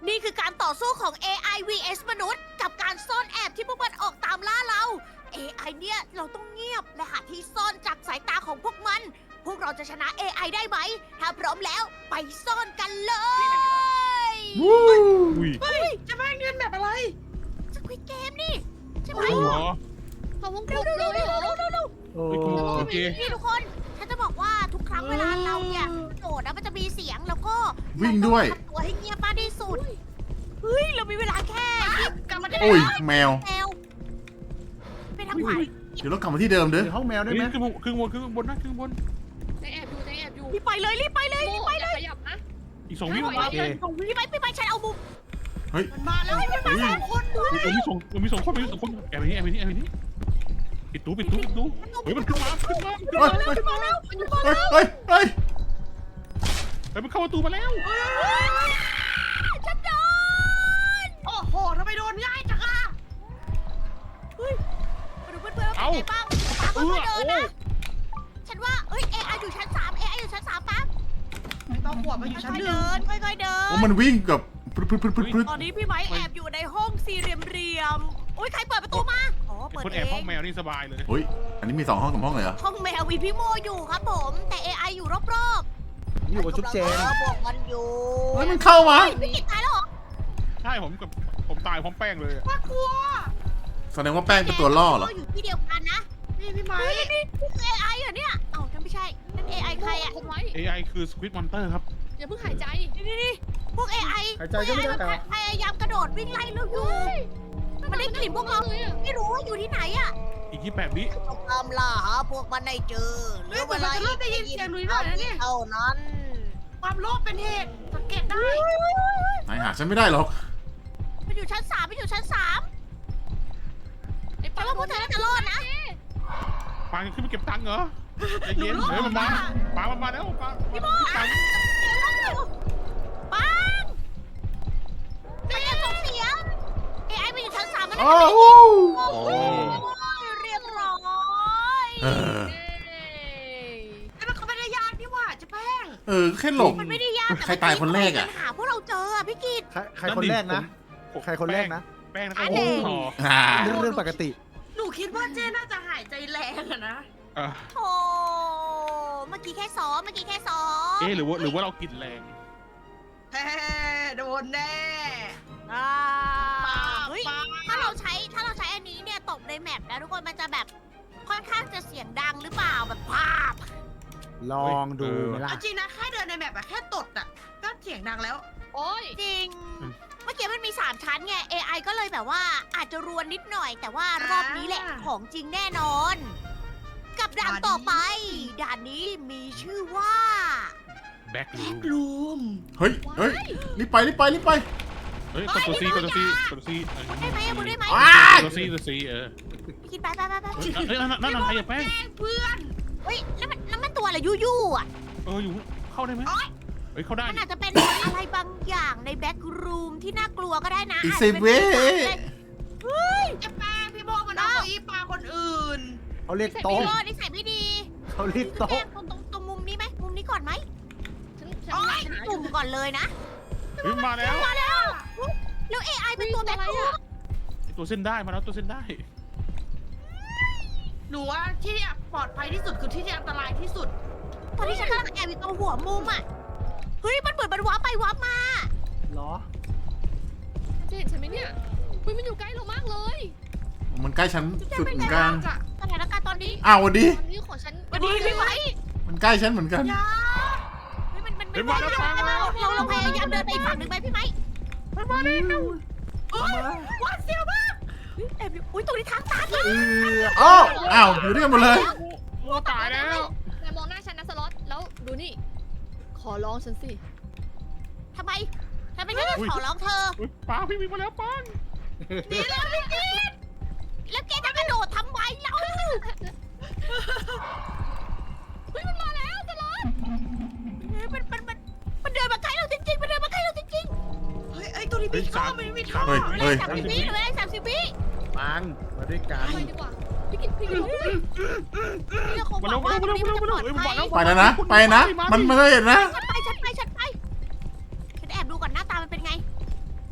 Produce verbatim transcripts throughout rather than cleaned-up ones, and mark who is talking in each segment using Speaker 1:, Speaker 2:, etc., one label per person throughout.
Speaker 1: นี่คือการต่อสู้ของ เอ ไอ วี เอส มนุษย์กับการซ่อนแอบที่พวกมันออกตามล่าเรา เอ ไอ เนี่ยเราต้องเงียบและหาที่ซ่อนจากสายตาของพวกมัน พวกเราจะชนะ เอ ไอ ได้ไหม ถ้าพร้อมแล้วไปซ่อนกันเลย
Speaker 2: อุ้ย
Speaker 3: เฮ้ยจะแม่งเรียนแบบอะไร
Speaker 1: สควิดเกมนี่ใช่ไหม
Speaker 2: เหรอ
Speaker 4: เขาวงก
Speaker 1: เร็
Speaker 4: ล
Speaker 1: ว
Speaker 4: ม
Speaker 1: เร็ว
Speaker 4: เล
Speaker 1: เร็วย
Speaker 4: เหรอ
Speaker 1: เร็วเร็วเร็ว
Speaker 5: โอ้
Speaker 2: เฮ้ยกูโอเค
Speaker 1: นี่ทุกคนฉันจะบอกว่าทุกครั้งเวลาเราเนี่ยโดดนะมันจะมีเสียงแล้วก็
Speaker 5: วิ่งด้วย
Speaker 1: เราต้องทำตัวให้เงียบมากที่สุดเฮ้ยเรามีเวลาแค่ยี่สิบ
Speaker 3: กลับมาได้
Speaker 5: โอ้ยแมว
Speaker 1: แมวไปทางขวา
Speaker 5: เดี๋ยวเรากลับมาที่เดิมเด้อ
Speaker 6: ในห้องแมวได้
Speaker 2: เฮ้ย
Speaker 6: ไหม
Speaker 2: ขึ้นบนขึ้นบนขึ้นบนนะขึ้นบน
Speaker 4: แจงแอบอยู่แจงแอบอยู่
Speaker 1: รีบไปเลยรีบไปเลย
Speaker 4: โม
Speaker 1: รีบไป
Speaker 4: อย่าขยับนะ
Speaker 2: อีกสองวิ
Speaker 4: โอ
Speaker 2: โอ
Speaker 4: เค
Speaker 2: เค
Speaker 1: พี่ไปพี่ไปฉันเอามุม
Speaker 3: มันมาแล้วมันมาสองคนด้วย
Speaker 2: มันมีสองมันมีสองคนมันมีสองคนแอบไปนี่แอบไปนี่แอบไปนี่ปิดตู้ปิดตู้ปิดตู้เฮ้ยมันขึ้นมาขึ้นมาขึ้น
Speaker 5: เฮ้
Speaker 2: มาย
Speaker 5: เฮ้ย
Speaker 1: มาแล้ว
Speaker 5: เฮ้ยเฮ้ยเฮ้ย
Speaker 2: เฮ้ยมันเข้าประตูมาแล้ว
Speaker 1: ฉันโดน
Speaker 3: โอ้โหทำไมโดนง่ายจังอะ
Speaker 1: มาดูเพื่อนๆว่าเป็นไงบ้างตาม
Speaker 2: เอ
Speaker 1: เพื่
Speaker 2: อ
Speaker 1: อนๆเดิน
Speaker 2: โอ้
Speaker 1: นะฉันว่าเอ้ยเอไออยู่ชั้นสามเอไออยู่ชั้นสามปั๊บ
Speaker 3: ไม่ต้องห่วงมาอยู่ชั้น
Speaker 1: ค่อย
Speaker 3: ห
Speaker 1: ๆ
Speaker 3: นึ่
Speaker 1: เดิ
Speaker 3: ง
Speaker 1: นค่อยๆเดิ
Speaker 5: โอ้
Speaker 1: น
Speaker 5: มันวิ่งกับพรึดพรึดพรึดพรึดพรึด
Speaker 1: ตอนนี้พี่ไม้แอบอยู่ในห้องสี่เหลี่ยมๆอุ้ยใครเปิดประตูมาอ๋อเปิด
Speaker 2: คน
Speaker 1: เอ
Speaker 2: แอบห้อง
Speaker 1: ง
Speaker 2: แมวนี่สบายเลย
Speaker 5: เฮ้ยอันนี้มีสองห้องสามห้องเลยเหรอ
Speaker 1: ห้องแมวมีพี่โมอยู่ครับผม แต่ เอ ไอ อยู่รอบๆ
Speaker 6: อยู่กับจุ๊บเจน
Speaker 1: กำลังรอพวกมันอยู่
Speaker 5: เฮ้ยมันเข้ามา
Speaker 1: เฮ้ยพี่กิตตายแล้วเหรอ
Speaker 2: ใช่ผมกับผมตายพร้อมแป้งเลย
Speaker 3: น่ากลัว
Speaker 5: แสดงว่าแป้งเป็นตัวล่อเหรอ
Speaker 1: เราอยู่ที่เดียวกันนะ
Speaker 3: นี่พี่ไม้
Speaker 1: เฮ้ยนี่นี่คือ เอ ไอ เหรอเนี่ยเอ้านั่นไม่ใช่นั่น เอ ไอ ใครอะ
Speaker 4: คนไว้
Speaker 2: เอไอคือสควิดมอนเตอร์ครับ
Speaker 4: อย่าเพิ่งหายใจ
Speaker 1: นี่นี่นี่พวก เอ ไอ
Speaker 6: หายใจก็ไม่ได้
Speaker 1: พวก
Speaker 6: แต่
Speaker 1: เอ ไอ มันพยายามกระโดดวิ่งไล่เราอยู่ มันได้กลิ่นพวกเรา
Speaker 4: เลยอะ
Speaker 1: ไม่รู้ว่าอยู่ที่ไหนอะ
Speaker 2: อีกยี่แปดวิ
Speaker 1: ต้องตามล่าหาพวกมันให้เจอเหลื
Speaker 3: เฮ้ย
Speaker 1: อ
Speaker 3: แต่
Speaker 1: เว
Speaker 3: มัน
Speaker 1: ลา
Speaker 3: จะเริ่มได้ยินเสียงหนุ่ยหน่อยนะเนี่ย
Speaker 1: เท่านั้น
Speaker 3: ความโลภเป็นเหตุสังเกตได้
Speaker 5: นายหาฉันไม่ได้หรอก
Speaker 1: มันอยู่ชั้นสามมันอยู่ชั้นสาม
Speaker 4: ไอ้
Speaker 1: แต่
Speaker 4: ปา
Speaker 1: ว่าพวกเธอน่าจะรอดนะ
Speaker 2: ปางจะขึ้นไปเก็บตังค์เหรอใจเย็นเฮ้ยมันมาปางมันมาแล้วปางพี่โม
Speaker 1: ปังปังมันยังส่งเสียง เอ ไอ มันอยู่ชั้นสามมัน
Speaker 5: โอ้
Speaker 1: น่าจะ
Speaker 5: โห
Speaker 1: โอ้โหเรียบร้อย
Speaker 5: เออ
Speaker 3: ไอ้มันเขาไม่ได้ยากนี่หว่าเจะแป้ง
Speaker 5: เออแค่หลบ
Speaker 1: มันไม่ได้ยาก
Speaker 5: ใครตายคนแรกอะ
Speaker 1: ปัญหาพวกเราเจออะพี่กิต
Speaker 6: ใครใครคนแรกนะ ใครคนแรกนะ
Speaker 2: แป้งแล้ว
Speaker 1: อั
Speaker 2: ก็
Speaker 1: น
Speaker 2: โอ้
Speaker 1: นี้
Speaker 2: โห
Speaker 5: อ่า
Speaker 6: เรื่องเรื่องปกติ
Speaker 3: หนูคิดว่าเจ้น่าจะหายใจแรงอะนะ
Speaker 2: อ่ะ
Speaker 1: โธ่เมื่อกี้แค่ซ้อมเมื่อกี้แค่ซ้อม
Speaker 2: เอ๊ะหรือว่าหรือว่าเรากินแรง
Speaker 3: แฮ่โดนแน่
Speaker 1: อ่า
Speaker 3: ปา
Speaker 1: เฮ้ย
Speaker 3: ปา
Speaker 1: ถ้าเราใช้ถ้าเราใช้อันนี้เนี่ยตกในแมปนะทุกคนมันจะแบบค่อนข้างจะเสียงดังหรือเปล่าแบบภาพ
Speaker 6: ลองดูไหมล่ะ
Speaker 3: เอาจริงนะแค่เดินในแมปอะแค่ตดอะก็เสียงดังแล้ว
Speaker 4: โอ้ย
Speaker 1: จริง เมื่อกี้มันมีสามชั้นไง เอ ไอ ก็เลยแบบว่าอาจจะรวนนิดหน่อย แต่ว่ารอบนี้แหละ
Speaker 3: อ่า
Speaker 1: ของจริงแน่นอน กับด่าน
Speaker 3: ด่านนี้
Speaker 1: ต่อไป ด่านนี้มีชื่อว่า
Speaker 2: แบ็ครูม
Speaker 3: ลูม
Speaker 5: เฮ้ยเฮ้ยรีบไปรีบไปรีบไป
Speaker 2: เฮ้ยกดตัวซีกดตัวซีกดตัวซี
Speaker 1: ได้ไหมบุญได้ไหม
Speaker 5: ว้าย
Speaker 2: ตัวซีตัวซีเออ
Speaker 1: พี่คิดไปไปไปไป
Speaker 2: เฮ้ยเฮ้ยนั่นนั่นนั่นอะไรอะแป้ง
Speaker 3: แป้งเพื่อน
Speaker 1: เฮ้ยแล้วมันแล้วมันตัวอะไรยู่ยู่ๆอ่ะ
Speaker 2: เอออยู่เข้าได้ไหมเฮ้ยเข้าได้
Speaker 1: มันอาจจะเป็นอะไรบางอย่างในแบ็กรูมที่น่ากลัวก็ได้นะ
Speaker 5: อี
Speaker 1: อาจ
Speaker 5: เซ
Speaker 1: จะเป็น
Speaker 5: เว่
Speaker 3: เจะแป้งพี่โบมันเอาเก้าอี้ปลาคนอื่น
Speaker 6: เขาเรียก
Speaker 1: ใส่
Speaker 6: โต๊ะ
Speaker 1: ไม่รอดนิสัยไม่ดี
Speaker 6: เขาเรียก
Speaker 1: แก
Speaker 6: โต๊ะ
Speaker 1: ตรงตรงตรงมุมนี้ไหมมุมนี้ก่อนไหม
Speaker 4: ฉันฉัน
Speaker 1: โอ้ย
Speaker 4: หาอ
Speaker 1: จุ่
Speaker 4: ยู่
Speaker 1: มก่อนเลยนะ
Speaker 2: เฮ้ยมาแล้ว
Speaker 1: มาแล้วแล้ว เอ ไอ เป็นตัวแบ็กรูม
Speaker 2: ตัวเส้นได้มาแล้วตัวเส้นได้
Speaker 3: หนูว่าที่เนี่ยปลอดภัยที่สุดคือที่ที่อันตรายที่สุด
Speaker 1: ตอนที่ฉันกำลังแอบอยู่ตรงหัวมุมอ่ะเฮ้ยมันเหมือนมันว้าร์ปไปว้าร์ปมา
Speaker 6: เหรอ
Speaker 4: จะเห็นฉันไหมเนี่ยคุยมันอยู่ใกล้เรามากเลย
Speaker 5: มันใกล้ฉันสุดเหมือนกัน
Speaker 1: สถานการณ์ตอนนี้
Speaker 5: อ้าวสวันดี
Speaker 4: ตอนนี้ของฉัน
Speaker 1: วันนี้พี่ไว้
Speaker 5: มันใกล้ฉันเหมือนกัน
Speaker 3: อย่า
Speaker 1: เฮ้ยมันมัน
Speaker 2: เฮ้
Speaker 1: ไม่
Speaker 2: ย
Speaker 1: ไหว
Speaker 2: มาแล้ว
Speaker 1: เราเราเราพยายามเดินไปอีกฝั่งหนึ่งไหมพี่ไม้
Speaker 2: มันมาแล้ว
Speaker 3: เอ้ยวัดเสียวมาก
Speaker 1: เฮ้ยแอบอยู่อุ้ยตรงนี้ทางตัน
Speaker 6: เออ
Speaker 5: อ้าวอ้าวอยู่ด้วยกันหมดเลย
Speaker 2: โอ้ตายแล้ว
Speaker 4: แต่มองหน้าฉันนะสล็อตแล้วดูนี่ ขอร้องฉันสิ
Speaker 1: ทำไมทำไมฉันจะขอร้องเธอ
Speaker 2: ป้าพี่มีมาแล้วป้าง
Speaker 1: ดีแล้วพี่กิตแล้วแกจะกระโดดทำไมเรา
Speaker 4: เฮ้ยมันมาแล้วสล็อต
Speaker 1: เฮ้ยมันมันมันมันเดินมาใกล้เราจริงๆมันเดินมาใกล้เราจริง
Speaker 3: เฮ้ยไอ้ตัวนี้มีท่อมันมีท่อ
Speaker 5: เฮ้ย
Speaker 1: ๆเหลื
Speaker 5: เฮ้
Speaker 1: อย สามสิบวิเหลือสามสิบวิ
Speaker 6: ปังมาด้วยกัน
Speaker 4: ไปดีกว่าพี่กินพี่กินลุกเลย
Speaker 1: พี่คง
Speaker 2: มา
Speaker 1: บ
Speaker 2: แล้
Speaker 1: อ
Speaker 2: ว
Speaker 1: ก
Speaker 2: มา
Speaker 1: ว่า
Speaker 2: แล้ว
Speaker 1: ตรงนี้มันจะปลอดภัย
Speaker 5: ไปแล้วนะ ไปนะ มันไม่ได้เห็นนะ
Speaker 1: ฉันไปฉันไปฉันไปฉันแอบดูก่อนหน้าตามันเป็นไง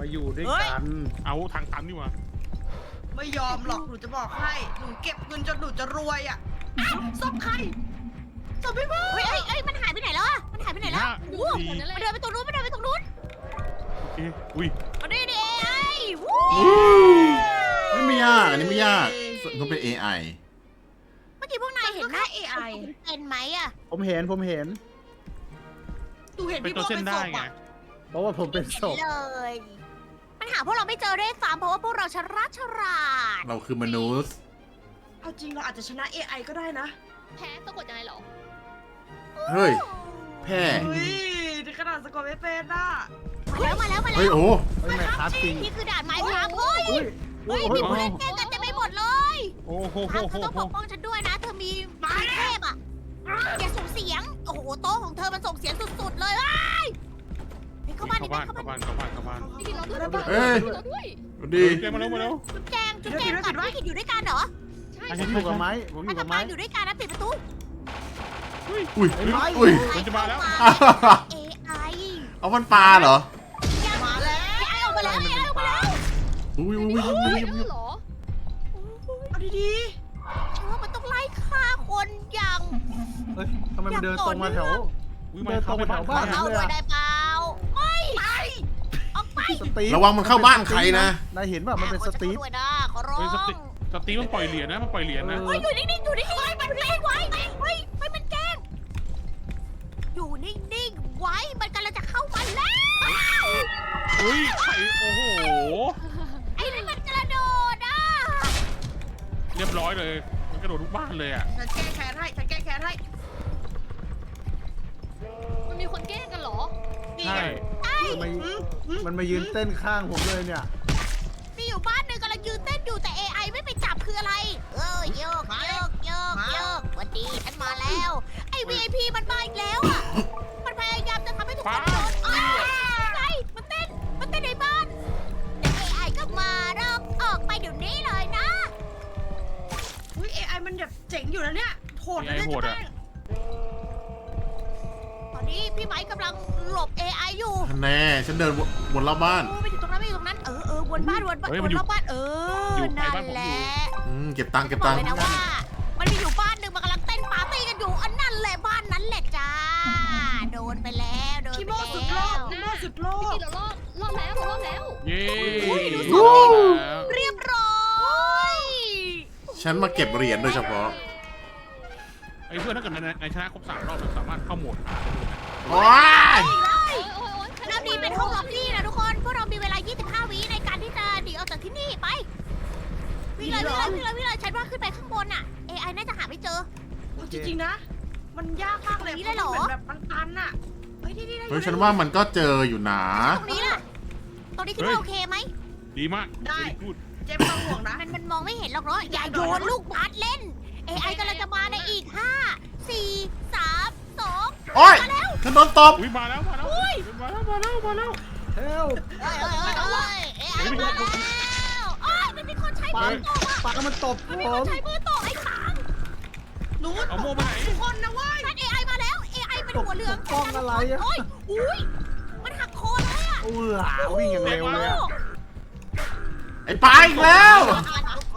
Speaker 6: มาอยู่ด้วยกัน
Speaker 2: เอาทางตันนี่มา
Speaker 3: ไม่ยอมหรอกหนูจะบอกให้หนูเก็บเงินจนหนูจะรวยอ่ะอ้าวศพใครศพพี่โบ
Speaker 1: เฮ้ยเอ้ยเอ้ยมันหายไปไหนแล้วอะมันหายไปไหนแล้ว
Speaker 2: ห้า
Speaker 4: ดู
Speaker 2: สี่
Speaker 4: คนนั้นแห
Speaker 1: มัน
Speaker 4: ละ
Speaker 1: เดินไปตรงนู้นมันเดินไปตรงนู้น
Speaker 2: โอเคอุ้ย
Speaker 1: เอาดิดิเอ้ยวู้
Speaker 5: นี่ไม่ยาก อันนี้ไม่ยากต้องเป็น เอ ไอ
Speaker 1: เมื่อกี้พวกนายเห็นหน้า เอ ไอ เป็นไหมอะ
Speaker 6: ผมเห็นผมเห็น
Speaker 3: หนูเห็น
Speaker 2: เป็น
Speaker 3: พี่โบ
Speaker 2: ตัวเส้
Speaker 3: เป็น นศ
Speaker 2: ได้
Speaker 3: พ
Speaker 2: ไง
Speaker 3: อ่ะ
Speaker 6: เพราะว่าผมเป็นศพ
Speaker 1: เลยมันหาพวกเราไม่เจอด้วยซ้ำเพราะว่าพวกเราฉลาดฉลาด
Speaker 5: เราคือมนุษย์
Speaker 3: เอาจริงเราอาจจะชนะ เอ ไอ ก็ได้นะ
Speaker 4: แพ้สะกดยังไงเหรอ
Speaker 5: เฮ้ย แพ้
Speaker 3: เฮ้ยถึงขนาดสะกดไม่เป็นอ่ะ
Speaker 1: มาแล้วมาแล้วมา
Speaker 5: เฮ้ย
Speaker 1: แล้ว
Speaker 5: โอ้
Speaker 6: เฮ้ยแม่ครับจริง
Speaker 1: นี่คือด่านไม้ครับเฮ้ย
Speaker 6: อุ้ย
Speaker 1: เฮ้ย
Speaker 6: โอ้
Speaker 1: มี
Speaker 6: ย
Speaker 1: ผู้เล่นเกมกันเต็มไปหมดเลย
Speaker 2: โอ้โห
Speaker 1: ค
Speaker 2: โห
Speaker 1: รับเธ
Speaker 2: โห
Speaker 1: อต้อง
Speaker 2: โห
Speaker 1: ปกป้องฉันด้วยนะ เธอมีมีเทพอ่ะอย่าส่งเสียง โอ้โหโต๊ะของเธอมันส่งเสียงสุดๆเลยเว้ยเฮ้ยเข้าบ้าน
Speaker 2: เข้า
Speaker 1: ดิ
Speaker 2: บ้าน
Speaker 1: เข้า
Speaker 2: เข้า
Speaker 1: บ้า
Speaker 2: บ้าน นเข้าบ้านเข้าบ้าน
Speaker 4: พี่กินเราด้วย
Speaker 5: เอ้ย
Speaker 4: พี่เราด้วย
Speaker 5: ดี
Speaker 2: เกมมาแล้วมาแล้ว
Speaker 1: จุ๊บแจงจุ๊บแจงกับพี่กิดอยู่ด้วยกันเหรอ
Speaker 4: ใช่
Speaker 2: อัน
Speaker 6: ผ
Speaker 2: นี้
Speaker 6: มอยู่กับไม้ผมอ
Speaker 1: ถ้า
Speaker 6: ยู่กั
Speaker 1: กั
Speaker 6: บบ ไม้
Speaker 1: บ้านอยู่ด้วยกันนะปิดประตู
Speaker 2: อุ้ย
Speaker 5: อุ้ย
Speaker 6: ไอ้ไม้
Speaker 5: อุ้ย
Speaker 2: มันจะมาแล้ว
Speaker 1: เอไอ
Speaker 5: เอามันปลาเหรอ
Speaker 3: มาแล้ว
Speaker 1: เอไอออกมาแล้วเอไอออกมาแล้ว
Speaker 5: อุ้ยอุ้ยอุ้ย
Speaker 4: เฮ้
Speaker 5: อุ้
Speaker 4: ย
Speaker 5: ย
Speaker 4: นั่นเหรอ
Speaker 3: เอาดี
Speaker 1: ฉันว่ามันต้องไล่ฆ่าคนอย่าง
Speaker 6: เฮ้ยทำไมมันเดินตรงมาแถว
Speaker 2: อุ้ยมาเข้าไปบ้าน
Speaker 6: บ้าน
Speaker 2: ใคร
Speaker 1: เอา
Speaker 2: อะ
Speaker 1: ด้วยได้เปล่าไม่ไปออกไป
Speaker 6: สตีฟ
Speaker 5: ระวังมันเข้าบ้านใครนะ
Speaker 6: นายเห็นป่ะมันเป็นสตีฟ
Speaker 1: ขอด้วยนะขอร้อง
Speaker 2: เฮ้ยสติสตีมันปล่อยเหรียญนะมันปล่อยเหรียญนะ
Speaker 6: เอ
Speaker 1: เฮ้ยอยู่นิ่งๆอยู่นิ่งๆไว้มันแกล้งไว้เฮ้ยเฮ้ยมันแกล้งอยู่นิ่งๆไว้มันกำลังจะเข้ามาแล้ว
Speaker 2: อุ้ยไข่โอ้โห
Speaker 1: ไอ้นี่มันกระโดดอ่ะ
Speaker 2: เรียบร้อยเลยมันกระโดดทุกบ้านเลยอ่ะ
Speaker 3: ๆฉันแก้แค้นให้ฉันแก้แค้นให้
Speaker 4: มันมีคนแกล้งกันเหรอ
Speaker 3: นี่
Speaker 2: ใช่
Speaker 3: ไง
Speaker 6: ทำไม
Speaker 3: อืมอืม
Speaker 6: มันมายืนเต้นข้างผมเลยเนี่ย
Speaker 1: มีอยู่บ้านหนึ่งกำลังยืนเต้นอยู่แต่ เอ ไอ ไม่ไปจับคืออะไร เออโยกโยกโยกโยกสวันดีฉันมาแล้ว ไอ้ วี ไอ พี มันมาอีกแล้วอ่ะ มันพยายามจะทำให้ทุกคนโดนอ้าวไงมันเต้น มันเต้นในบ้านแต่ เอ ไอ ก็มาเราออกไปเดี๋ยวนี้เลยนะ
Speaker 3: อุ้ย เอ ไอ มันแบบเจ๋งอยู่นะเนี่ยโหดนะเนี่ย
Speaker 2: เอ ไอโหด
Speaker 3: เจะ
Speaker 2: อะ
Speaker 3: แป้ง
Speaker 1: ตอนนี้พี่ไม้กำลังหลบ เอ ไอ อยู่
Speaker 5: แน่ ฉันเดินวนรอบบ้าน
Speaker 1: โอ้ไปอยู่ตรงนั้นไปอยู่ตรงนั้น เออเออวนบ้านวนบ้านวนรอบบ้าน เออ นั่นแหละ
Speaker 5: อืมเก็บตังค์เก็บ
Speaker 1: บอ
Speaker 5: ตั
Speaker 1: ก
Speaker 5: งค์
Speaker 1: เลยนะว่า มันมีอยู่บ้านหนึ่งมันกำลังเต้นปาร์ตี้กันอยู่ อันนั่นแหละบ้านนั้นแหละจ้า โดนไปแล้วโดน
Speaker 3: คี
Speaker 1: ไป
Speaker 3: โมสุดโล
Speaker 1: แล้ว
Speaker 3: กคีโมสุดโล
Speaker 4: พี่
Speaker 3: ก
Speaker 4: กินเรารอดรอดแล้วเรารอดแล้ว
Speaker 2: เย้
Speaker 1: ดู
Speaker 2: รอดแล้ว
Speaker 1: เรียบร้อย
Speaker 5: ฉันมาเก็บเหรียญโดยเฉพาะ
Speaker 2: ไอ้เพื่อนถ้าเกิดในในชนะครบสามรอบมันสามารถเข้าโหมดหาได้เลยนะ
Speaker 5: ว้าย
Speaker 4: โอ้ยโอ้ยโอ้ย
Speaker 1: รอบนี้เป็นห้องล็อบบี้นะทุกคน พวกเรามีเวลา ยี่สิบห้า วิในการที่จะหนีออกจากที่นี่ไป วิ่งเลยวิ่งเลยวิ่งเลยวิ่งเลยฉันว่าขึ้นไปข้างบนน่ะ เอ ไอ น่าจะหาไม่เจอ
Speaker 3: เอาจริงๆนะ มันยากมากเลย
Speaker 1: ตรงนี้เลยเหรอ
Speaker 3: พาะมันมือนแบบมันตันอะเฮ้ยนี่นี่
Speaker 5: เฮ้ยฉันว่ามันก็เจออยู่นะ
Speaker 1: ตรงนี้ล่ะ ตรงนี้คิดว่าโอเคไหม
Speaker 2: ดีมาก
Speaker 3: ได้
Speaker 2: พูด
Speaker 3: เจ๊ไม่ต้องห่วงนะ
Speaker 1: มันมันมองไม่เห็นหรอกเนาะ อย่าโยนลูกบาสเล่น เอ ไอ กำลังจะมาในอีก ห้า สี่ สาม สอง
Speaker 5: โอ้ยฉันโดนตบ
Speaker 2: อุ้ยมาแล้วมาแล้วมาแล้วมาแล้วมาแล้ว
Speaker 6: เฮล
Speaker 1: เฮ้ยเฮ้ยเฮ้ยเฮ้ยเอ ไอ มาแล้วโอ้ยมันมีคนใช้
Speaker 6: ปา
Speaker 1: มือตบอ่ะ
Speaker 6: ปามันตบ
Speaker 1: มัน
Speaker 6: ผ
Speaker 1: มีคน
Speaker 6: ม
Speaker 1: ใช้มือตบไอ้ขาง
Speaker 3: หนู
Speaker 2: เอาโม่ไปไหน
Speaker 3: ทุกคนนะเว้ย
Speaker 1: นั่น เอ ไอ มาแล้ว เอ ไอ เป็นหัวเหลือง
Speaker 6: กล้องอะไรอะ
Speaker 1: โอ้ยอุ้ยมันหักคอเลยอ่ะ
Speaker 6: เออวิ่งอย่างเร็วเลยอะ
Speaker 5: ไอ้ปลาอีกแล้ว
Speaker 1: ทุกคน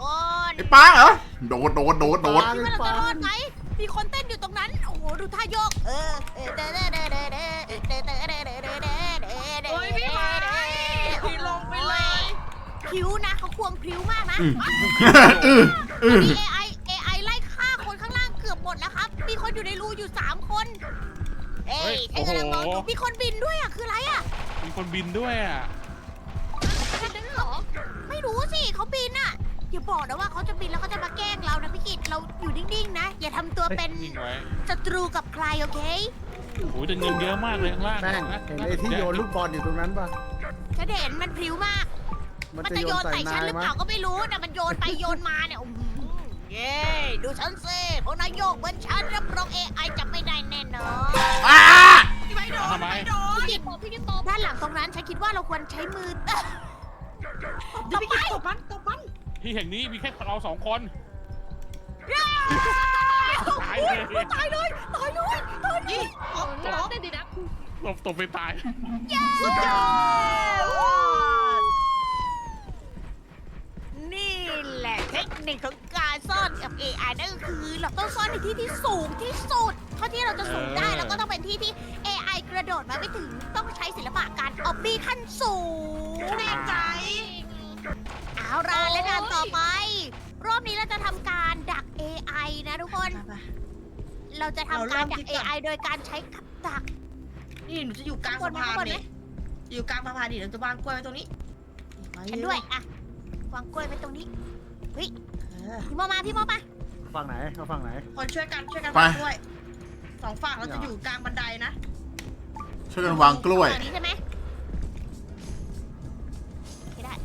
Speaker 5: ไอ้ปลาเหรอ โดดโดดโดดโดด
Speaker 1: คิดว่าเราจะรอดไหมมีคนเต้นอยู่ตรงนั้น โอ้โห ดูท่าโยก เออเออเด้อเด้อเด้อเด้อเด้อเด้อเด้อเด้อเด้อเด้อเด้อเด้อเด้อ
Speaker 3: โอ้ยพี่ไม้พี่ลงไปเลย
Speaker 1: พริ้วนะเขาควงพริ้วมากนะ
Speaker 5: อืมอืมอื
Speaker 1: ตอน
Speaker 5: ม
Speaker 1: นี้ เอ ไอ เอ ไอ ไล่ฆ่าคนข้างล่างเกือบหมดแล้วครับ มีคนอยู่ในรูอยู่สามคน เอ้ยฉันกำลังมองดูมีคนบินด้วยอ่ะ คืออะไรอ่ะ
Speaker 2: มีคนบินด้วยอ่ะ
Speaker 4: แค่นั้นเหรอ
Speaker 1: ไม่รู้สิเขาบินอ่ะ อย่าบอกนะว่าเขาจะบินแล้วเขาจะมาแกล้งเรานะพี่กิตเราอยู่นิ่งๆนะ อย่าทำตัวเป็น
Speaker 2: นิ่งไว้
Speaker 1: ศัตรูกับใครโอเค
Speaker 2: โอ้ยแต่เงินเยอะมากเลยข้างล่าง
Speaker 6: แป้ง
Speaker 2: นะ
Speaker 6: เห็นไอ้ที่โยนลูกบอลอยู่ตรงนั้นป่ะ
Speaker 1: ฉันเห็นมันพริ้วมาก
Speaker 6: มัน
Speaker 1: มัน
Speaker 6: จะ
Speaker 1: จะ
Speaker 6: โย
Speaker 1: โย
Speaker 6: น
Speaker 1: น
Speaker 6: ใส่
Speaker 1: ใส่ฉั
Speaker 6: นาน ย
Speaker 1: หรือ
Speaker 6: มั้
Speaker 1: เปล่าย ก็ไม่รู้แต่มันโยนไปโยนมาเนี่ยอื้อหือเย้ดูฉันสิพวกนายโยกเหมือนฉันรับรอง เอ ไอ จับไม่ได้แน่นอน
Speaker 5: อ้า
Speaker 3: พี่ไม้โดนพี่ไม้โดน
Speaker 1: พี่กิต
Speaker 4: ตบพี่กินตบ
Speaker 1: ด้านหลังตรงนั้นฉันคิดว่าเราควรใช้มือ
Speaker 3: เดี๋ยวพี่กินตบมันตบมัน
Speaker 2: ที่แห่งนี้มีแค่เราสองคนตายเลย
Speaker 1: ตายเลยตายเลยตายเลย
Speaker 3: นี่ตบ
Speaker 4: น้องเต้นดีนะ
Speaker 2: ตบตบไปตาย
Speaker 1: สุดยอดนิคของการซ่อนกับ เอ ไอ นั่นก็คือเราต้องซ่อนในที่ที่สูงที่สุดเท่าที่เราจะสูงได้แล้วก็ต้องเป็นที่ที่ เอ ไอ กระโดดมาไม่ถึงต้องใช้ศิลปะการออบบี้ขั้นสูง
Speaker 3: แน่ใจ
Speaker 1: เอาล่ะและด่านต่อไป รอบนี้เราจะทำการดัก เอ ไอ นะทุกคน เราจะทำการดัก เอ ไอ โดยการใช้กับดัก
Speaker 3: นี่หนูจะอยู่กลางสะพานนี่อยู่กลางสะพานดิเราจะวางกล้วยไว้ตรงนี้
Speaker 1: ฉันด้วยอะวางกล้วยไว้ตรงนี้
Speaker 3: เออ
Speaker 1: พี่โมมาพี่โมมา
Speaker 6: ฝั่งไหนเอาฝั่งไหน
Speaker 3: คนช่วยกันช่วยกัน
Speaker 5: ไป
Speaker 3: วางกล้วยสองฝั่งเราจะอยู่กลางบันไดนะ
Speaker 5: ช่วยกันวางกล้วย
Speaker 1: ตรงนี้ใช่ไหมโอเคได้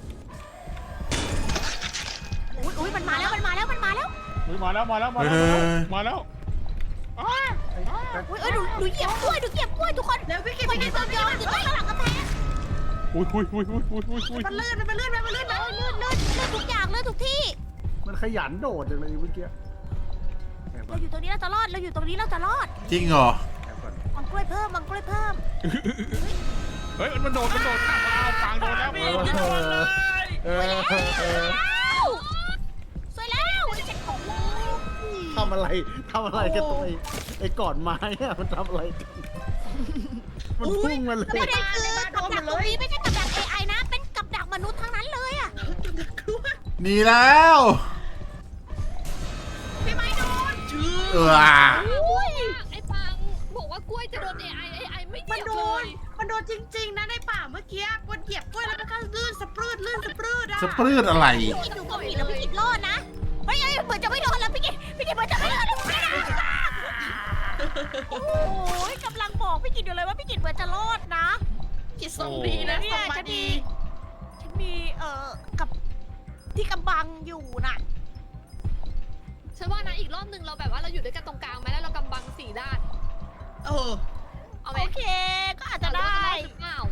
Speaker 1: อุ้ยอุ้ยมันมาแล้วมันมาแล้วมันมาแล้ว
Speaker 2: เฮ้ยมาแล้วมาแล้วมา
Speaker 5: เฮ้
Speaker 2: แล้ว
Speaker 5: ย
Speaker 2: มาแล้วอ้า
Speaker 1: อุ้ยเอ้ยหนูหนูเหยียบกล้วยหนูเหยียบกล้วยทุกคน
Speaker 3: เร็วพี่กิน
Speaker 1: มัน
Speaker 3: พี่
Speaker 1: มี
Speaker 3: กิน
Speaker 1: ตัวยองอยู่ตรงข้างหลังกำแพง
Speaker 2: อุ้ยอุ้ยอุ้ยอุ้ยอุ้ยอุ้ยอุ้ย
Speaker 3: มันลื่นมันลื่นมันลื่น
Speaker 1: เออเลื่อนเลื่อนเลื่อนทุกอย่างเลื่อนทุกที่
Speaker 6: มันขยันโดดจังเลยเมื่อกี้แอบก่อ
Speaker 1: เรา
Speaker 6: น
Speaker 1: อยู่ตรงนี้เราจะรอดเราอยู่ตรงนี้เราจะรอด
Speaker 5: จริงเหรอ
Speaker 6: แอบก่อน
Speaker 1: วางกล้วยเพิ่มวางกล้วยเพิ่ม
Speaker 2: เฮ้ยมันโดดมันโดดข้ามมาเอาฟางโดนแล้ว
Speaker 6: เออเออเออเออ
Speaker 1: แล้วสวยแล้วฉันของเลย
Speaker 6: ทำอะไรทำอะไรกันตัวไอ้ไอ้ก่อนไม้อะมันทำอะไรกันมันพุ่งมาเลย
Speaker 1: ประเด็นคือกับดักตรงนี้ไม่ใช่กับดัก เอ ไอ นะ เป็นกับดักมนุษย์ทั้งนั้นเลยอะ
Speaker 5: หนีแล้ว
Speaker 3: พี่ไม้โดนชื่อ
Speaker 5: เออ
Speaker 4: อุ้ยไอ้ปังบอกว่ากล้วยจะโดน เอ ไอ เอ ไอ ไม่เห
Speaker 3: มัน
Speaker 4: ยียบ
Speaker 3: โด
Speaker 4: เล
Speaker 3: น
Speaker 4: ย
Speaker 3: มันโดนจริงๆนะในป่าเมื่อกี้กดเหยียบกล้วยแล้วมันก็ลื่นสะปรืดลื่นสะปรืดอะ
Speaker 5: สปรืดอะไร
Speaker 1: พี่กินดูก็ผิดแล้วพี่กินรอดนะเฮ้ยเฮ้ยเหมือนจะไม่รอดแล้วพี่กินพี่กินเหมือนจะไม่รอดแล้วพี่กินโอ้ยกำลังบอกพี่กินอยู่เลยว่าพี่กินเหมือนจะรอดนะ
Speaker 3: จิตส่งดีนะ
Speaker 1: เนี่
Speaker 3: ส่
Speaker 1: ย
Speaker 3: งมา
Speaker 1: ฉัน
Speaker 3: ดี
Speaker 1: มีฉันมีเอ่อกับที่กำบังอยู่น่ะ
Speaker 4: ฉันว่านะอีกรอบหนึ่งเราแบบว่าเราอยู่ด้วยกันตรงกลางไหมแล้วเรากำบังสี่ด้าน
Speaker 3: เออ
Speaker 4: เอาไหม
Speaker 1: โอเค ก็อาจจะได้
Speaker 4: หรือเปล่า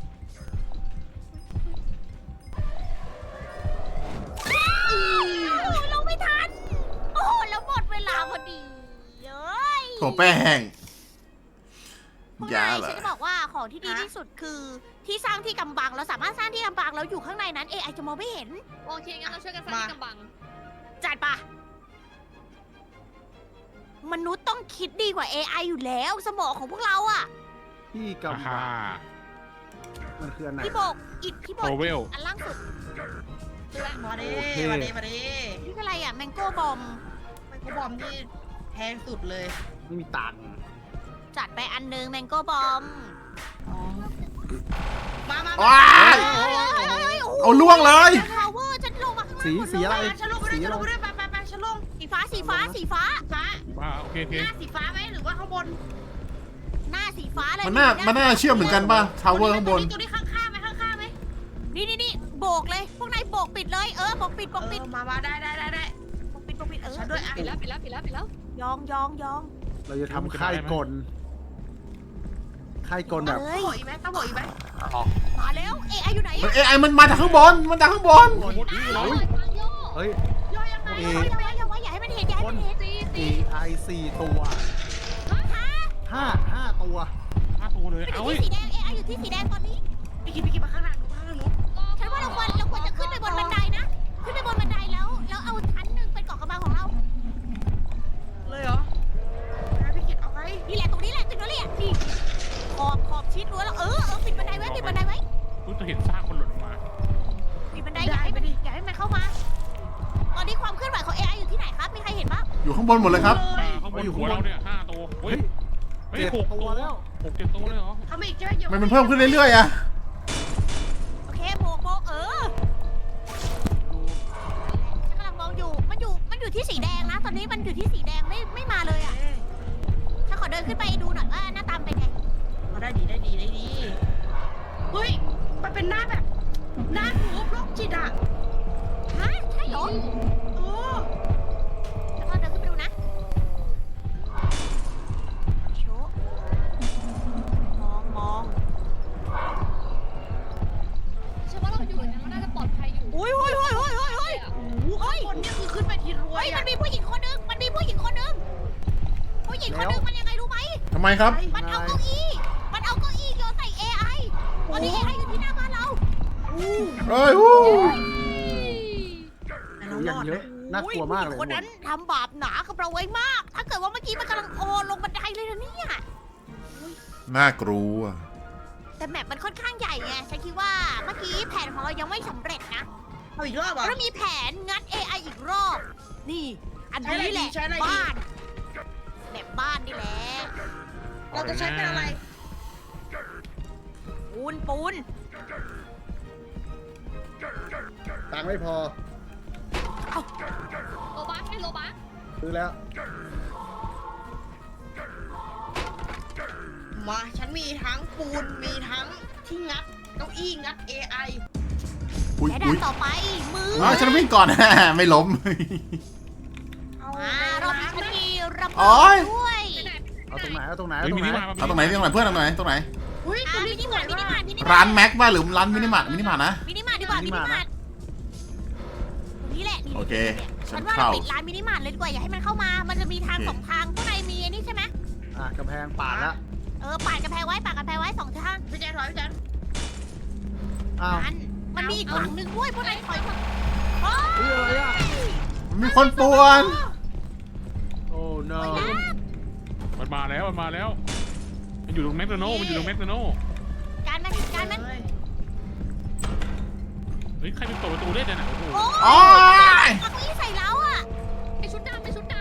Speaker 1: เราไม่ทัน โอ้โหแล้วหมดเวลาพอดีเย้ย
Speaker 5: โถแป้ง
Speaker 1: พวก
Speaker 5: ยาน
Speaker 1: าย
Speaker 5: เหรอ
Speaker 1: ฉันจะบอกว่าของที่ดี
Speaker 3: ฮะ
Speaker 1: ที่สุดคือที่สร้างที่กำบังเราสามารถสร้างที่กำบังแล้วอยู่ข้างในนั้น เอ ไอ จะมองไม่เห็น
Speaker 4: โอเคงั้นเราช่วยกันสร้างที่กำบัง
Speaker 1: จัดปะมนุษย์ต้องคิดดีกว่า เอ ไอ อยู่แล้ว สมองของพวกเราอะ
Speaker 6: พี่
Speaker 2: อ่าก
Speaker 6: ำ
Speaker 2: ฮ่า
Speaker 6: มันคืออันไหน
Speaker 1: พี่โบกอิดพี่โบ
Speaker 2: โท
Speaker 1: ก
Speaker 2: เวล
Speaker 1: อันล่างสุด
Speaker 3: มาดิ
Speaker 6: โอเค
Speaker 3: มาดิมาดิ
Speaker 1: นี่คืออะไรอะแมงโก้บอม
Speaker 3: มันก็บอมที่แพงสุดเลย
Speaker 6: ไม่มีตังค์
Speaker 1: จัดไปอันหนึงแมงโก้บอม
Speaker 3: มามา
Speaker 5: ว้าย เอาล่วงเลย
Speaker 1: พาวเวอร์ฉันลงมาข้างล่าง
Speaker 6: สี
Speaker 1: หมด
Speaker 6: สี
Speaker 1: เลย
Speaker 6: อะไร
Speaker 3: มาฉันลงไปด้วย
Speaker 6: สี
Speaker 3: ฉัน
Speaker 6: อะไร
Speaker 3: ลงไปด้วยไปไปไปฉันลง
Speaker 1: สีฟ้าสีฟ้าสีฟ้า
Speaker 3: ฟ้า
Speaker 2: มาโอเคโอเค
Speaker 3: หน้าสีฟ้าไหมหรือว่าข้างบน
Speaker 1: หน้าสีฟ้าเลย
Speaker 5: มันน่ามันน่าเชื่อมเหมือนกันป่ะ ทาวเวอร์ข้างบน
Speaker 3: ตัวนี้ข้างๆไหมข้างๆไหม
Speaker 1: นี่นี่นี่โบกเลย พวกนายโบกปิดเลย เออโบกปิดโบกปิด
Speaker 3: เออมามาได้ได้ได้ได้
Speaker 1: โบกปิดโบกปิดเออ
Speaker 3: ฉันด้วยอ่ะ
Speaker 4: ปิดแล้วปิดแล้วปิดแล้วปิดแล้ว
Speaker 1: ยองยองยอง
Speaker 6: เราจะทำค่ายกลค่ายกลแบบ
Speaker 1: เอ้ย
Speaker 3: ต้องบอกอีกไหมต้องบอกอีกไหม
Speaker 1: มาแล้ว เอ ไอ อยู่ไหน
Speaker 5: มัน
Speaker 1: อะ
Speaker 5: เอไอมันมาจากข้างบน มันจากข้างบน
Speaker 2: หมดนี้เล
Speaker 4: โอ้
Speaker 2: ย
Speaker 4: ยปังโย
Speaker 6: เฮ้ย
Speaker 3: ย่อยยังไง
Speaker 6: เอ
Speaker 1: อย่าไว้อย่าไว้อย่าให้มันเห็นอย่าให้มันเห็น
Speaker 4: ตี
Speaker 6: เอ
Speaker 4: ตี
Speaker 6: ไอสี่ตัวห้าห้าตัว
Speaker 2: ห้าตัวเลย
Speaker 1: มันอ
Speaker 2: เอา
Speaker 1: ยู่
Speaker 2: เว้ย
Speaker 1: ที่สีแดง เอ ไอ อยู่ที่สีแดงตอนนี้
Speaker 3: พี่กินพี่กินมาข้างหน้าหนูข้างหน้าหนู
Speaker 1: ฉันว่าเราควรเราควรจะขึ้นไปบนบันไดนะ ขึ้นไปบนบันไดแล้ว แล้วเอาชั้นหนึ่งเป็นเกาะกำบังของเรา
Speaker 3: เลยเหรอนะพี่กินเอาไง
Speaker 1: นี่แหละตรงนี้แหละตรงนี้แหละนี่ขอบขอบชิดรั้วแล้ว เออเออปิดบันไดไว้ปิดบันไดไว้
Speaker 2: รู้จะเห็นซากคนหล่นออกมา
Speaker 1: ปิดบันไดอย่าให้มันอย่าให้มันเข้ามา ตอนนี้ความเคลื่อนไหวของ เอ ไอ อยู่ที่ไหนครับ มีใครเห็นบ้าง
Speaker 5: อยู่ข้างบนหมดเลยครับ
Speaker 2: อ่าข้างบนหัวเราเนี่ยห้าตัวเฮ้ยเฮ้ย
Speaker 6: เจ็ด
Speaker 2: หก
Speaker 6: ตั
Speaker 2: ตัว ว
Speaker 6: แล้ว
Speaker 2: หกเจ็ดตัวเลยเหรอ
Speaker 3: ทำอีกใช่ไหมเดี๋ยว
Speaker 5: มันมันเพิ่มขึ้นเรื่อยๆอะ
Speaker 1: โอเคโบกโบกเออฉันกำลังมองอยู่ มันอยู่ มันอยู่ที่สีแดงนะ ตอนนี้มันอยู่ที่สีแดงไม่ไม่มาเลยอ่ะฉันขอเดินขึ้นไปดูหน่อยว่าหน้าตามนเป็นไง
Speaker 3: เอาได้ดีได้ดีได้ดีเฮ้ยมันเป็นหน้าแบบหน้าหนูโรคจิตอ่ะ
Speaker 1: ฮะ ใช่เหรอ
Speaker 3: โอ้
Speaker 1: ฉันขอเดินขึ้นไปดูนะโชว์มองมอง
Speaker 4: ฉันว่าเราอยู่เนี่ยเราน่าจะปลอดภัยอยู่
Speaker 1: อุ้ยอุ้ยอุ้ยอุ้ยอุ้ยอุ้ย
Speaker 3: โหข้างบนเนี่ยคือขึ้นไปทีรว
Speaker 1: เฮ้
Speaker 3: ย
Speaker 1: ย มั
Speaker 3: อ่ะ
Speaker 1: นมีผู้หญิงคนนึง มันมีผู้หญิงคนนึง ผู้หญิงคนนึงมันยังไงรู้ไหม
Speaker 5: ทำไมครับ
Speaker 1: มันเอาเก้าอี้ มันเอาเก้าอี้โยนใส่ เอ ไอ ตอนนี้ เอ ไอ อยู่ที่หน้าบ้านเรา
Speaker 5: เอ้ยวู้
Speaker 3: แต่เรา
Speaker 6: อ
Speaker 3: ร
Speaker 6: ย่าง
Speaker 3: อด
Speaker 6: เย
Speaker 3: นะ
Speaker 6: อะน่ากลัวมากเลย
Speaker 1: โอ้ผู้หญิงคนนั้นทำบาปหนากับเราไว้มาก ถ้าเกิดว่าเมื่อกี้มันกำลังโอนลงบันไดเลยนะเนี่ย
Speaker 5: น่ากลัว
Speaker 1: แต่แมปมันค่อนข้างใหญ่ไง ฉันคิดว่าเมื่อกี้แผนของเรายังไม่สำเร็จนะ
Speaker 3: เอาอีกรอบเหรอ
Speaker 1: เรามีแผนงัด เอ ไอ อีกรอบ นี่ อันนี้แหละ
Speaker 3: ใช้อะไรดี
Speaker 1: บ้านแบบบ้านนี่แหละ
Speaker 3: เราจะใช้เป็นอะไร
Speaker 1: ปูนปูน
Speaker 6: ตังค์ไม่พอ
Speaker 4: โลบัสให้โลบัส
Speaker 6: ซื้อแล้ว
Speaker 3: มาฉันมีทั้งปูนมีทั้งที่งัดเก้าอี้งัด เอ ไอ
Speaker 5: อุ้ย
Speaker 1: และด่า
Speaker 5: อุ้
Speaker 1: น
Speaker 5: ย
Speaker 1: ต่อไป มือ
Speaker 5: อ๋อฉันวิ่งก่อน ไม่ล้ม
Speaker 3: เอา
Speaker 1: มารอบนี้ฉันมีระ
Speaker 5: โอ๊
Speaker 1: เบิด
Speaker 5: ย
Speaker 1: ด้วย
Speaker 4: ไปไหน
Speaker 6: เอาตรงไหน เอาตรงไหน
Speaker 2: เฮ้
Speaker 6: เอา
Speaker 2: ย
Speaker 6: ตร
Speaker 2: มิ
Speaker 6: ง
Speaker 2: นิ
Speaker 6: ไหน
Speaker 2: มาร์ท
Speaker 5: เอาตรงไหนตรงไหนเพื่อนตรงไหนตรงไหน
Speaker 3: อุ้ย
Speaker 1: อ่ะ
Speaker 3: ตัว
Speaker 1: มิ
Speaker 3: นี้
Speaker 1: นิ
Speaker 3: ส
Speaker 1: มา
Speaker 3: วย
Speaker 1: ร์ทมินิ
Speaker 3: ว่ะ
Speaker 1: มาร์ทมินิมาร์ท
Speaker 5: ร้านแม็กบ้าหรือร้านมินิมาร์ทมินิมาร์ทนะ
Speaker 1: มินิมาร์ทดีกว่ามินิมาร์ทตรงนี้แหละนี่
Speaker 5: โอเค
Speaker 1: ฉั
Speaker 5: ฉั
Speaker 1: น
Speaker 5: น
Speaker 1: ว่า
Speaker 5: เข้า
Speaker 1: เราปิดร้านมินิมาร์ทเลยดีกว่าอย่าให้มันเข้ามา มันจะมีทาง
Speaker 5: โอเค
Speaker 1: สองทางข้างในมีไอ้นี่ใช่ไหม
Speaker 6: อ่ะกำแพงป่าดละ
Speaker 1: เออปาดกำแพงไว้ปาดกำแพงไว้สองทาง
Speaker 3: พี่แจ๊คถอยพี่แจ๊ค
Speaker 6: อ้าว
Speaker 1: มันมันมีอีกฝั่งหนึ่งด้วยพวกนายถอยมาโอ้
Speaker 6: เฮ้ยอะไรอ่ะ
Speaker 5: มีคนป่วน
Speaker 6: โอ้ no
Speaker 1: ยนะ
Speaker 2: มันมาแล้วมันมาแล้ว มันอยู่ตรงแมกโดนัลด์มันอยู่ตรงแมกโดนัลด์
Speaker 1: การมันการมัน
Speaker 3: เฮ้ย
Speaker 2: เฮ้ยใครไปเปิดประตูได้เนี่ยนะโอ้โห
Speaker 1: โอ้
Speaker 5: โอ้ย
Speaker 1: ปักนี้ใส่เราอ่ะ
Speaker 4: ไอชุดดำไอชุดด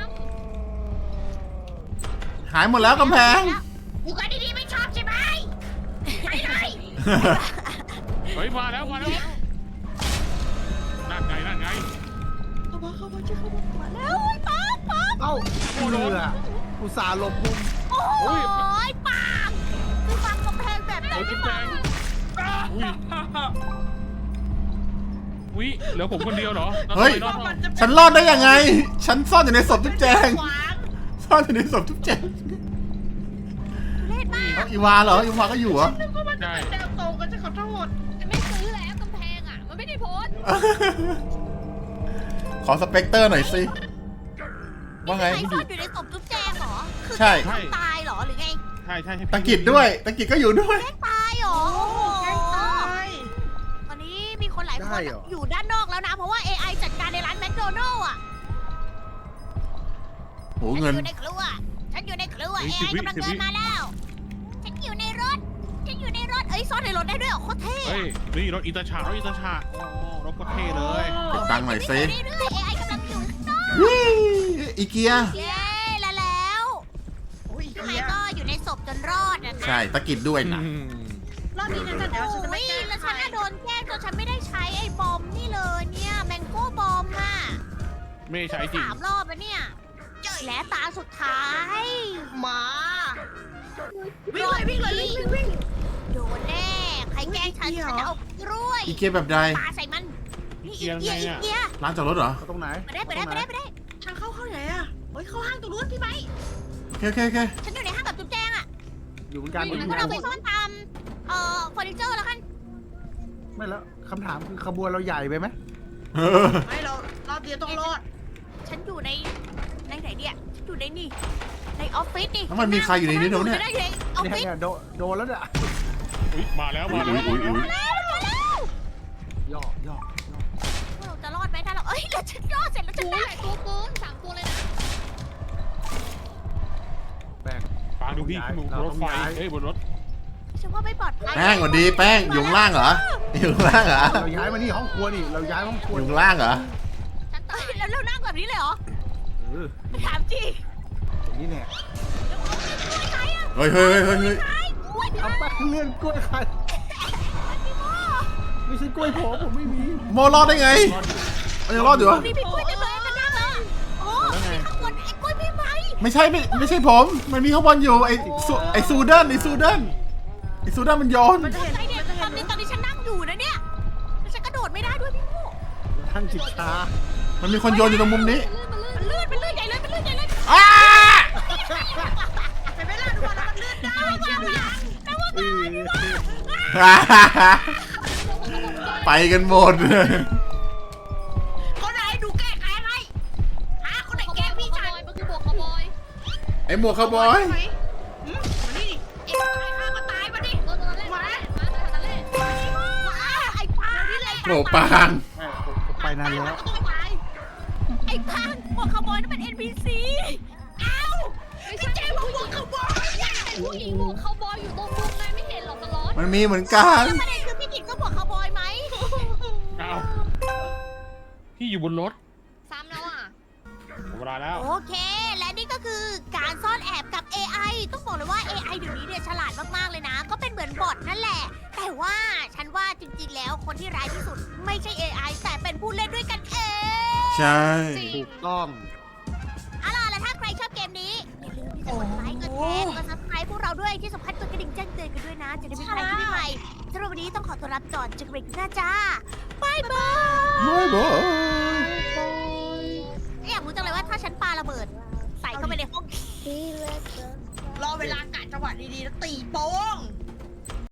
Speaker 5: หายหมดแล้วกำแพง
Speaker 1: อยู่กันดีๆไม่ชอบใช่ไหมไปเลย
Speaker 2: เฮ้ยมาแล้วมาแล้วนั่นไงนั่นไง
Speaker 3: เข้ามาเข้ามาเจ๊เข้ามา
Speaker 1: มาแล้วโอ้ยปักปัก
Speaker 6: เอ้าเรืออุตส่าห์หลบมุม
Speaker 1: โอ้ยปังคือปังกำแพงแบบไหน
Speaker 2: โอ้ย
Speaker 1: ไม่
Speaker 2: แด
Speaker 1: ปัง
Speaker 2: งอุ้ยอุ้ยเหลือผมคนเดียวเหรอ
Speaker 5: เฮ้ย
Speaker 2: รอดรอด
Speaker 5: ฉันรอดได้ยังไง ฉันซ่อนอยู่ในศพทุกแจง
Speaker 3: ขวาง
Speaker 5: ซ่อนอยู่ในศพทุกแจง
Speaker 1: เล่นมาก
Speaker 5: เอาอีวาเหรออีวาก็อยู่เหรอ
Speaker 3: นึกว่ามันจะเป็นแนวตรงกันจะขอโทษ
Speaker 4: ำจะไม่ซื้อแล้วกำแพงอ่ะ มันไม่ได้โพสต์
Speaker 5: ขอสเปกเตอร์หน่อยสิ ว่าไง
Speaker 1: ใครซ่อนอยู่ในศพจุ๊บแจงเหรอ คือ
Speaker 5: ใช่
Speaker 1: แกล้งตายเหรอหรือไง
Speaker 2: ใช่ใช่ให้
Speaker 5: ตะกิดด้วย ตะกิดก็อยู่ด้วย
Speaker 1: แกล้งตายเหรอ
Speaker 3: แกล้งตาย
Speaker 1: ตอนนี้มีคนหลายคน
Speaker 6: ได้เหรอ
Speaker 1: อยู่ด้านนอกแล้วนะ เพราะว่า เอ ไอ จัดการในร้านแมคโดนัลล์อ่ะ
Speaker 5: โห
Speaker 1: ฉัน
Speaker 5: เงิน
Speaker 1: อยู่ในครัว ฉันอยู่ในครัว เอ ไอ กำลังเดินมาแล้ว ฉันอยู่ในรถ ฉันอยู่ในรถ เอ้ยซ่อนในรถได้ด้วยเหรอโคตรเท่
Speaker 2: เฮ้ย
Speaker 1: อะ
Speaker 2: นี่รถอิตาชารถอิตาชาโอ้รถก็เท่เลย
Speaker 5: เก็บตังค์หน่อยสิ
Speaker 1: เรื่อยๆ เอ ไอ กำลังอยู่ข้างนอก
Speaker 5: วิ่งอีเกีย
Speaker 1: เย้แล้วแล้ว
Speaker 3: โอ้ย
Speaker 1: พี่ไม
Speaker 3: เฮีย
Speaker 1: ค์ก็อยู่ในศพจนรอดอะนะ
Speaker 5: ใช่ ตะกิดด้วยนะ
Speaker 2: อืม
Speaker 3: รอบนี้นะเดี๋ยวฉันจะ
Speaker 1: โอ้
Speaker 3: ไม่
Speaker 1: ย
Speaker 3: แกล้ง
Speaker 1: แล้ว
Speaker 3: ใค
Speaker 1: ฉั
Speaker 3: ร
Speaker 1: นน่ะโดนแกล้งจนฉันไม่ได้ใช้ไอ้บอมนี่เลยเนี่ยแมงโก้บอมอะ
Speaker 2: ไม่ใช่จริง
Speaker 1: สามรอบแล้วเนี่ยและตาสุดท้าย
Speaker 3: มาวิ่งเลยวิ่งเลยวิ่งวิ่งวิ่ง
Speaker 1: โดนแน่ ใครแกล้งฉัน
Speaker 3: อุ๊ย
Speaker 1: ฉันจะเอากล้วย
Speaker 5: อีเกียแบบใด
Speaker 1: ปาใส่มันนี่อี
Speaker 2: เกี
Speaker 1: เกี
Speaker 2: ย
Speaker 1: ย
Speaker 2: ร์ไง
Speaker 1: อี
Speaker 2: อะ
Speaker 1: เกีย
Speaker 5: ร้านจอดรถเหรอ
Speaker 6: เอาตรงไหน
Speaker 1: ไปได้ไปได้ไปได้ไปได้
Speaker 3: ทางเข้าเข้าไหนอะเฮ้ยเข้าห้างตรงนู้นพี่ไหม
Speaker 5: โอเคโอเคโอเค
Speaker 1: ฉันอยู่ในห้างกับจุ๊บแจงอะ
Speaker 6: อยู่เหมือนกัน
Speaker 1: พวกเราไปซ่อนตามเอ่อเฟอร์นิเจอร์แล้วกัน
Speaker 6: ไม่แล้วคำถามคือขบวนเราใหญ่ไปไหม
Speaker 5: เออ
Speaker 3: ไม่เรารอบเดียวต้องรอด
Speaker 1: ฉันอยู่ในในไหนเนี่ยฉันอยู่ในนี่ในออฟฟิศนี่
Speaker 5: แล้วมันมีใครอยู่ในนี้เดี๋ยวเนี่ย
Speaker 1: ฉัอยู่ในออฟ
Speaker 6: เนี่ย
Speaker 1: ฟิศ
Speaker 6: เนี่ยโดนโดนแล้วเนี่ย
Speaker 2: อุ๊ยมาแล้ว
Speaker 5: อุ๊
Speaker 2: มาย แล้ว
Speaker 5: อุ๊ยอุ๊ยอุ๊ย
Speaker 1: มาแล้วมาแล้ว
Speaker 6: ย่อย่อ
Speaker 1: พวกเราจะรอดไหมถ้าเราเอ้ยแล้วฉันรอดเสร็จแล้วฉัน
Speaker 4: โอ้ย
Speaker 1: ได้
Speaker 4: หลายตัวเกินสามตัวเลยนะ
Speaker 6: แป้ง
Speaker 2: ฟังดูพี่ขึ้นบนรถไฟเอ้ยบนรถ
Speaker 1: ฉันว่าไม่ปลอดภัย
Speaker 5: แป้งสวัสดีแป้งอยู่ข้างล่างเหรอ อยู่ข้างล่างเหรอ
Speaker 6: เราย้ายมานี่ห้องครัวนี่ เราย้ายห้องครัว
Speaker 5: อยู่ข้างล่างเหรอ
Speaker 1: ฉันตายแล้วเรานั่งแบบนี้เลยเหรอ
Speaker 6: เออ
Speaker 1: ถามจริง
Speaker 6: อย่างนี้แน่
Speaker 1: ใครอะ
Speaker 5: เฮ้ยเฮ้ยเฮ้ยเฮ้ยเฮ้ย
Speaker 1: ใครกล้วย
Speaker 6: เอาแป้งเลื่อนกล้วยใคร
Speaker 1: พี่โม
Speaker 6: ไม่ใช่กล้วยผมผมไม่มี
Speaker 5: โมรอดได้ไง มันยังรอดอยู่เหรอ
Speaker 1: นี่พี่กล้วยเต็มเลยจะนั่งเลยโอ้พี่ข้างบนไอ้กล้วยพี่ไหม
Speaker 5: ไม่ใช่ไม่ไม่ใช่ผม มันมีข้างบนอยู่ไอ้ซูไอ้ซูเดนไอ้ซูเดนไอ้ซูเดนมันโยน
Speaker 3: มันจะเห็น
Speaker 1: ไอ้เนี่ย
Speaker 3: มันจะ
Speaker 1: ต
Speaker 3: เห็
Speaker 1: อน นนี้ตอนนี้ฉันนั่งอยู่นะเนี่ยแล้วฉันกระโดดไม่ได้ด้วยพี่โม
Speaker 6: ท่านจิตช้า
Speaker 5: มันมีคนโยนอยู่ตรงมุมนี้
Speaker 1: มันลื่นมันลื่นใหญ่เลยมันลื่นใหญ่เลย
Speaker 5: อ้า
Speaker 3: เห็นไหมล่ะดูว่าแล้วมันเลื่อนได้
Speaker 6: เออ
Speaker 5: ไปกันหมด
Speaker 3: คนไหนดูแก้ไขให้หาคนไหน
Speaker 4: ขโม
Speaker 3: แก้
Speaker 4: ย
Speaker 3: พี่
Speaker 4: ข
Speaker 3: ชาย
Speaker 4: โมยมันคือบวกขโมย
Speaker 5: ไอ้หมวกคาวบอย
Speaker 3: ไหมหืมมานี่ดิเอ็งตายข้าก็ตายมาดิ
Speaker 4: ตัวนั้นแหละมามาตัวนั้นแหละ
Speaker 1: ว้าวไอ้ปลานี่เลย
Speaker 5: โหปาง
Speaker 6: แม่ผมผมไปนานแล้ว
Speaker 3: ก็ต้องตาย
Speaker 1: ไอ้อ้พังหมวกคาวบอยนั่นเป็น เอ็น พี ซี เอ้า
Speaker 4: ไม่ใช่เจ๊บอกว่าเขาบอยเป็นผู้หญิงหมวกเขาบอยอยู่ตรงมุมไงไม่เห็นหรอกสล็อต
Speaker 5: มันมีเหมือนกัน
Speaker 1: แล้วประเด็นคือพี่กิตก็หมวกคาวบอยไหม
Speaker 2: อ้าวพี่อยู่บนรถ
Speaker 4: ซ้ำแล้วอ่ะ
Speaker 2: หมดเวลาแล้ว
Speaker 1: โอเค และนี่ก็คือการซ่อนแอบกับ เอ ไอ ต้องบอกเลยว่า เอ ไอ เดี๋ยวนี้เนี่ยฉลาดมาก ๆ เลยนะ ก็เป็นเหมือนบอทนั่นแหละ แต่ว่าฉันว่าจริง ๆ แล้วคนที่ร้ายที่สุดไม่ใช่ เอ ไอ แต่เป็นผู้เล่นด้วยกันเอง
Speaker 5: ใช่
Speaker 4: จริง
Speaker 6: ถูกต้อง
Speaker 1: เอาล่ะแล้วถ้าใครชอบเกมนี้ อย่าลืมที่จะกดไลค์ กดแชร์ กด ซับสไครบ์ พวกเราด้วย ที่สำคัญกดกระดิ่งแจ้งเตือนกันด้วยนะ จะได้ไม่พลาดคลิปใหม่สำหรับวันนี้ต้องขอตัวลาไปก่อนเจอกันใหม่คลิปหน้าจ้าบายบาย
Speaker 5: บ๊ายบาย
Speaker 1: อยากรู้จังเลยว่าถ้าฉันปาระเบิด ใส่เข้าไปในห้อง
Speaker 3: รอเวลากะจังหวะดีๆแล้วตีโป้ง